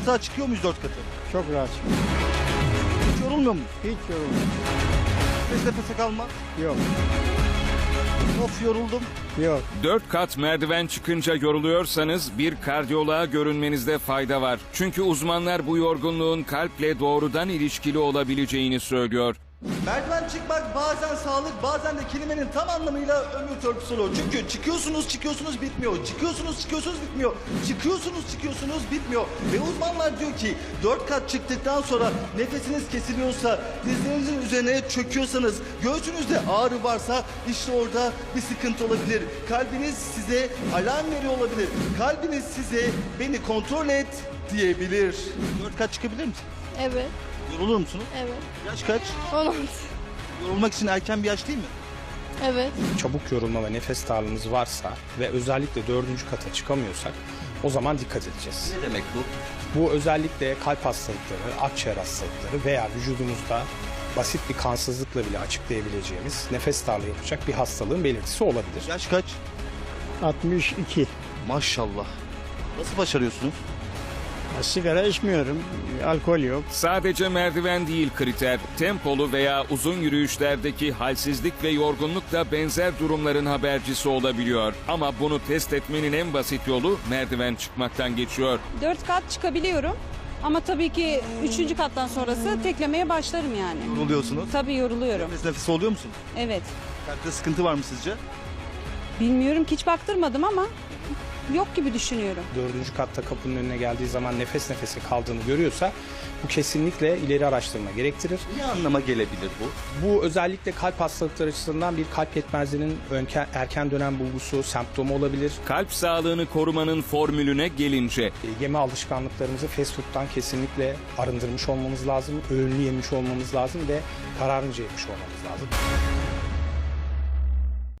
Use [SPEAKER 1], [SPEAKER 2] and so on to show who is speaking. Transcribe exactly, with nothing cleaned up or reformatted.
[SPEAKER 1] Rahat rahat çıkıyor muyuz dört katı?
[SPEAKER 2] Çok rahat.
[SPEAKER 1] Hiç yorulmuyor muyuz?
[SPEAKER 2] Hiç yorulmuyor.
[SPEAKER 1] Nefes nefese kalma.
[SPEAKER 2] Yok.
[SPEAKER 1] Of yoruldum.
[SPEAKER 2] Yok.
[SPEAKER 3] Dört kat merdiven çıkınca yoruluyorsanız bir kardiyoloğa görünmenizde fayda var. Çünkü uzmanlar bu yorgunluğun kalple doğrudan ilişkili olabileceğini söylüyor.
[SPEAKER 1] Merdiven çıkmak bazen sağlık, bazen de kelimenin tam anlamıyla ömür törpüsü oluyor. Çünkü çıkıyorsunuz, çıkıyorsunuz bitmiyor. Çıkıyorsunuz, çıkıyorsunuz bitmiyor. Çıkıyorsunuz, çıkıyorsunuz bitmiyor. Ve uzmanlar diyor ki dört kat çıktıktan sonra nefesiniz kesiliyorsa, dizlerinizin üzerine çöküyorsanız, göğsünüzde ağrı varsa işte orada bir sıkıntı olabilir. Kalbiniz size alarm veriyor olabilir. Kalbiniz size beni kontrol et diyebilir. Dört kat çıkabilir misin?
[SPEAKER 4] Evet,
[SPEAKER 1] Yorulur musunuz?
[SPEAKER 4] evet.
[SPEAKER 1] Yaş kaç?
[SPEAKER 4] on altı.
[SPEAKER 1] Yorulmak için erken bir yaş değil mi?
[SPEAKER 4] Evet.
[SPEAKER 5] Çabuk yorulma ve nefes darlığımız varsa ve özellikle dördüncü kata çıkamıyorsak o zaman dikkat edeceğiz.
[SPEAKER 1] Ne demek bu?
[SPEAKER 5] Bu özellikle kalp hastalıkları, akciğer hastalıkları veya vücudumuzda basit bir kansızlıkla bile açıklayabileceğimiz nefes darlığı yapacak bir hastalığın belirtisi olabilir.
[SPEAKER 1] Yaş kaç?
[SPEAKER 2] altmış iki.
[SPEAKER 1] Maşallah. Nasıl başarıyorsunuz?
[SPEAKER 2] Sigara içmiyorum. Alkol yok.
[SPEAKER 3] Sadece merdiven değil kriter, tempolu veya uzun yürüyüşlerdeki halsizlik ve yorgunluk da benzer durumların habercisi olabiliyor. Ama bunu test etmenin en basit yolu merdiven çıkmaktan geçiyor.
[SPEAKER 6] Dört kat çıkabiliyorum. Ama tabii ki üçüncü kattan sonrası teklemeye başlarım yani.
[SPEAKER 1] Yoruluyorsunuz.
[SPEAKER 6] Tabii yoruluyorum.
[SPEAKER 1] Nefes nefese oluyor musunuz?
[SPEAKER 6] Evet.
[SPEAKER 1] Kalpte sıkıntı var mı sizce?
[SPEAKER 6] Bilmiyorum ki hiç baktırmadım ama yok gibi düşünüyorum.
[SPEAKER 5] Dördüncü katta kapının önüne geldiği zaman nefes nefese kaldığını görüyorsa bu kesinlikle ileri araştırma gerektirir.
[SPEAKER 1] Ne anlama gelebilir bu?
[SPEAKER 5] Bu özellikle kalp hastalıkları açısından bir kalp yetmezliğinin önke- erken dönem bulgusu, semptomu olabilir.
[SPEAKER 3] Kalp sağlığını korumanın formülüne gelince
[SPEAKER 5] E, Yeme alışkanlıklarımızı fast food'dan kesinlikle arındırmış olmamız lazım. Öğünlü yemiş olmamız lazım ve kararınca yemiş olmamız lazım.